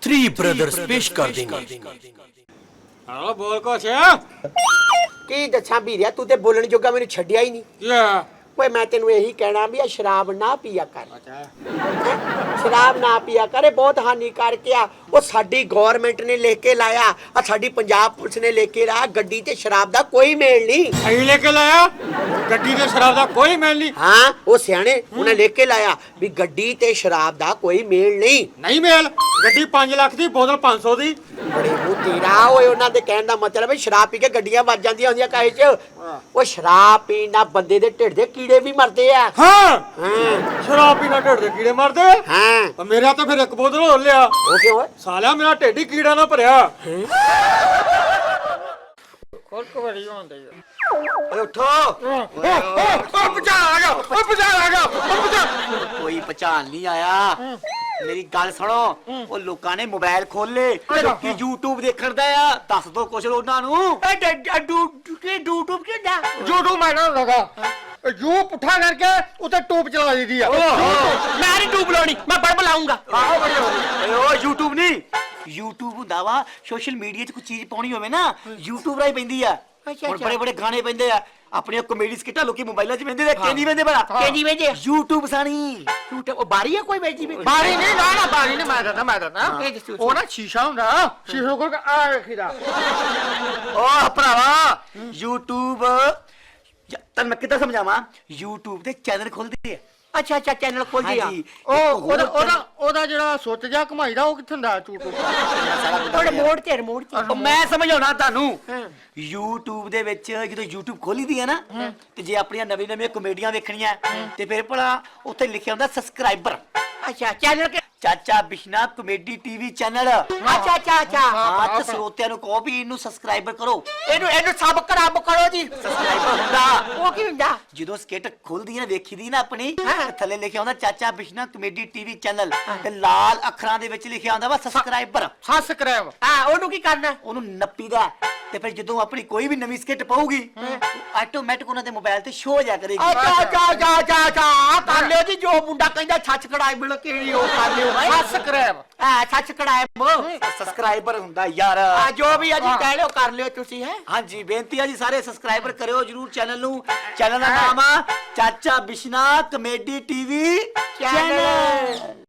Three brothers पेश कर देंगे। ਹਾਂ ਬੋਲ ਕੁਛ ਕੀ ਦੱਸਾਂ ਵੀਰਿਆ, ਤੂੰ ਤੇ ਬੋਲਣ ਜੋਗਾ ਮੈਨੂੰ ਛੱਡਿਆ ਹੀ ਨਹੀਂ। ਕੀ ਆ ਓਏ ਮੈਂ ਤੈਨੂੰ ਇਹੀ ਕਹਿਣਾ ਵੀ ਆ ਸ਼ਰਾਬ ਨਾ ਪੀਆ ਕਰ। ਅੱਛਾ ਹੈਂ? ਸ਼ਰਾਬ ਨਾ ਪੀਆ ਕਰ, ਇਹ ਬਹੁਤ ਹਾਨੀਕਾਰਕ ਆ। ਉਹ ਸਾਡੀ ਗਵਰਨਮੈਂਟ ਨੇ ਲਿਖ ਕੇ ਲਾਇਆ, ਆ ਸਾਡੀ ਪੰਜਾਬ ਪੁਲਿਸ ਨੇ ਲਿਖ ਕੇ ਲਾਇਆ, ਗੱਡੀ ਤੇ ਸ਼ਰਾਬ ਦਾ ਕੋਈ ਮੇਲ ਨਹੀਂ। ਅਹੀਂ ਲੈ ਕੇ ਲਾਇਆ ਗੱਡੀ ਤੇ ਸ਼ਰਾਬ ਦਾ ਕੋਈ ਮੇਲ ਨਹੀਂ। ਹਾਂ, ਉਹ ਸਿਆਣੇ ਉਹਨੇ ਲਿਖ ਕੇ ਲਾਇਆ ਵੀ ਗੱਡੀ ਤੇ ਸ਼ਰਾਬ ਦਾ ਕੋਈ ਮੇਲ ਨਹੀਂ। ਨਹੀਂ ਮੇਲ, ਗੱਡੀ 5 ਲੱਖ ਦੀ ਬੋਤਲ 500 ਦੀ। ਬੜੇ ਮੂੰਹ ਤੇਰਾ ਓਏ, ਉਹਨਾਂ ਦੇ ਕਹਿਣ ਦਾ ਮਤਲਬ ਹੈ ਸ਼ਰਾਬ ਪੀ ਕੇ ਗੱਡੀਆਂ ਵੱਜ ਜਾਂਦੀਆਂ ਹੁੰਦੀਆਂ ਕਾਹੇ 'ਚ। ਉਹ ਸ਼ਰਾਬ ਪੀਣ ਨਾਲ ਬੰਦੇ ਦੇ ਢਿੱਡ ਦੇ ਕੀੜੇ ਵੀ ਮਰਦੇ ਆ। ਹਾਂ ਹਾਂ ਸ਼ਰਾਬ ਪੀਣਾ ਢਿੱਡ ਦੇ ਕੀੜੇ ਮਰਦੇ। ਹਾਂ, ਮੇਰਾ ਤਾਂ ਫਿਰ ਇੱਕ ਬੋਤਲ ਹੋਰ ਲਿਆ। ਉਹ ਕਿਉਂ ਓਏ? ਸਾਲਿਆ ਮੇਰਾ ਢਿੱਡ ਹੀ ਕੀੜਾ ਨਾ ਭਰਿਆ। ਕੋਲ ਕਵਰੀ ਹੁੰਦੇ ਓਏ ਉੱਠੋ। ਉਹ ਬਚਾ ਆ ਗਿਆ, ਉਹ ਬਚਾ ਆ ਗਿਆ, ਉਹ ਬਚਾ। ਕੋਈ ਪਛਾਣ ਨਹੀਂ ਆਇਆ। ਮੇਰੀ ਗੱਲ ਸੁਣੋ, ਉਹ ਲੋਕਾਂ ਨੇ ਮੋਬਾਈਲ ਖੋਲੇ, ਲੋਕੀ YouTube ਦੇਖਣ ਦਾ ਆ। ਦੱਸ ਦੋ ਕੁਛ ਉਹਨਾਂ ਨੂੰ। YouTube ਕਿਹਦਾ? YouTube ਮੈਂ ਨਾ ਲਗਾ ਯੂ ਪੁੱਠਾ ਕਰਕੇ ਉਤੇ ਟੂਬ ਚਲਾ ਦਿੱਤੀ ਆ। मैं नहीं टूब लानी, मैं बड़ बुलाऊंगा। ਆਹੋ ਬੜੀ ਹੋ ਗਈ। ਓਏ ਓ YouTube ਨਹੀਂ, YouTube ਹੁੰਦਾ ਵਾ ਸੋਸ਼ਲ ਮੀਡੀਆ 'ਚ ਕੋਈ ਚੀਜ਼ ਪਾਉਣੀ ਹੋਵੇ ਨਾ, YouTube ਰਾਹੀਂ ਪੈਂਦੀ ਆ। ਹੁਣ ਬੜੇ ਬੜੇ ਗਾਣੇ ਪੈਂਦੇ ਆ, ਆਪਣੀਆਂ ਕਾਮੇਡੀ ਸਕਿੱਟਾਂ ਲੋਕੀ ਮੋਬਾਈਲਾਂ 'ਚ ਪੈਂਦੇ ਆ। ਕਿੰਨੀ ਪੈਂਦੇ ਬੜਾ केजी बेजे YouTube ਸਾਣੀ। टूटे वो बारी है कोई बेची भी ਬਾਰੀ ਨਹੀਂ ਨਾ ਬਾਰੀ ਨਹੀਂ, ਮੈਂ ਦੱਸਦਾ ਉਹ ਨਾ ਸ਼ੀਸ਼ਾ ਹੁੰਦਾ, ਸ਼ੀਸ਼ੇ ਕੋਲ ਆ ਰੱਖੀਦਾ। ਓ ਭਰਾਵਾ, YouTube ਤੈਨੂੰ ਮੈਂ ਕਿੱਦਾਂ ਸਮਝਾਵਾਂ, YouTube ਤੇ ਚੈਨਲ ਖੁੱਲਦੇ ਆ। अच्छा अच्छा चैनल खोल दिया। ਹਾਂਜੀ, ਉਹ ਉਹਦਾ ਜਿਹੜਾ ਸੁੱਤ ਜਾ ਕਮਾਈਦਾ ਉਹ ਕਿੱਥੇ ਹੁੰਦਾ YouTube? थोड़े मोड़ ते ਉਹ ਮੈਂ ਸਮਝਾਉਣਾ ਤੁਹਾਨੂੰ। YouTube ਦੇ ਵਿੱਚ ਜਦੋਂ YouTube ਖੋਲੀ ਦੀ ਹੈ ਨਾ, ਤੇ ਜੇ ਆਪਣੀਆਂ ਨਵੀਂ ਨਵੀਆਂ ਕਮੇਡੀਆਂ ਵੇਖਣੀਆਂ ਤੇ ਫਿਰ ਭਲਾ ਉੱਥੇ ਲਿਖਿਆ ਹੁੰਦਾ ਸਬਸਕ੍ਰਾਈਬਰ। अच्छा चैनल के ਚਾਚਾ ਬਿਸ਼ਨਾ ਕਮੇਡੀ ਟੀਵੀ ਚੈਨਲ। अच्छा अच्छा अच्छा ਹਾਂ, ਤੇ ਸਰੋਤਿਆਂ ਨੂੰ ਕਹੋ ਵੀ ਇਹਨੂੰ ਸਬਸਕ੍ਰਾਈਬਰ ਕਰੋ। एनु एनु सब खराब करो जी। ਸਬਸਕ੍ਰਾਈਬਰ ਹੁੰਦਾ वो की हुंदा? ਜਦੋਂ ਸਕਿੱਟ ਖੁੱਲਦੀ ਹੈ ਵੇਖੀ ਦੀ ਨਾ ਆਪਣੀ, ਤੇ ਥੱਲੇ ਲਿਖਿਆ ਹੁੰਦਾ ਚਾਚਾ ਬਿਸ਼ਨਾ ਕਮੇਡੀ ਟੀਵੀ ਚੈਨਲ, ਤੇ ਲਾਲ ਅੱਖਰਾਂ ਦੇ ਵਿੱਚ ਲਿਖਿਆ ਹੁੰਦਾ ਵਾ ਸਬਸਕ੍ਰਾਈਬਰ। ਸਬਸਕ੍ਰਾਈਬ। हां ओनु की करना? ਉਹਨੂੰ ਨੱਪੀਦਾ, ਤੇ ਫਿਰ ਜਦੋਂ ਆਪਣੀ ਕੋਈ ਵੀ ਨਵੀਂ ਸਕਿੱਟ ਪਾਊਗੀ, ਆਟੋਮੈਟਿਕ ਉਹਨਾਂ ਦੇ ਮੋਬਾਈਲ ਤੇ ਸ਼ੋ ਹੋ ਜਾ ਕਰੇਗੀ। अच्छा अच्छा अच्छा अच्छा अच्छा कर लियो जी, जो मुंडा कहंदा छछ कड़ाई मिल के ओ कर लियो भाई। ਸਬਸਕ੍ਰਾਈਬ। हां छछ कड़ाई ਸਬਸਕ੍ਰਾਈਬਰ ਹੁੰਦਾ ਯਾਰ। जो भी है जी कह लियो कर लियो तुसी है। ਹਾਂਜੀ, ਬੇਨਤੀ ਆ ਜੀ, ਸਾਰੇ ਸਬਸਕ੍ਰਾਈਬਰ ਕਰਿਓ ਜਰੂਰ ਚੈਨਲ ਨੂੰ। ਚੈਨਲ ਦਾ ਨਾਮ ਆ ਚਾਚਾ ਬਿਸ਼ਨਾ ਕਮੇਡੀ ਟੀਵੀ ਚੈਨਲ।